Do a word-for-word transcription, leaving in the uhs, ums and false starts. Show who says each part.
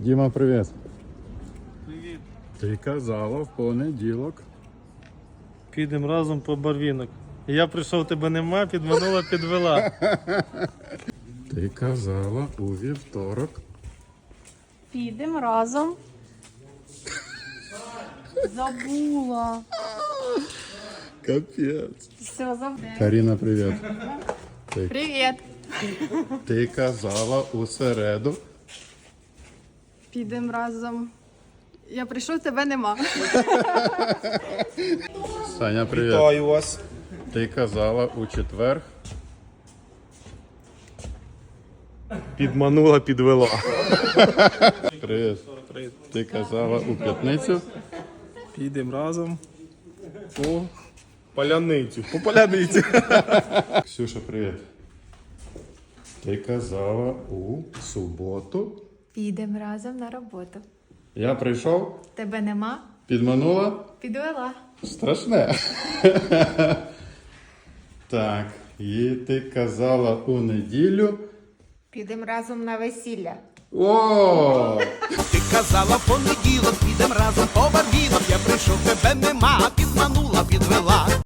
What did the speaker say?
Speaker 1: Діма, привіт.
Speaker 2: Привіт.
Speaker 1: Ти казала в понеділок.
Speaker 2: Підемо разом по барвінок. Я прийшов, тебе нема, підманула, підвела.
Speaker 1: Ти казала у вівторок.
Speaker 3: Підемо разом. Забула.
Speaker 1: Капець.
Speaker 3: Все, забула.
Speaker 1: Каріна, привіт. Ти,
Speaker 3: Привіт.
Speaker 1: ти казала у середу.
Speaker 3: Підемо разом. Я прийшов, тебе нема.
Speaker 1: Саня, привіт.
Speaker 4: Вітаю вас.
Speaker 1: Ти казала у четвер.
Speaker 4: Підманула, підвела.
Speaker 1: Привіт. Ти казала у п'ятницю.
Speaker 4: Підемо разом по паляницю. По паляниці.
Speaker 1: Ксюша, привіт. Ти казала у суботу.
Speaker 5: Підемо разом на роботу.
Speaker 1: Я прийшов,
Speaker 5: Тебе нема?
Speaker 1: підманула.
Speaker 5: Підвела.
Speaker 1: Страшне. Так, і ти казала у неділю.
Speaker 5: Підемо разом на весілля.
Speaker 1: О!
Speaker 6: Ти казала в понеділок, підем разом по барвінок. Я прийшов, тебе нема.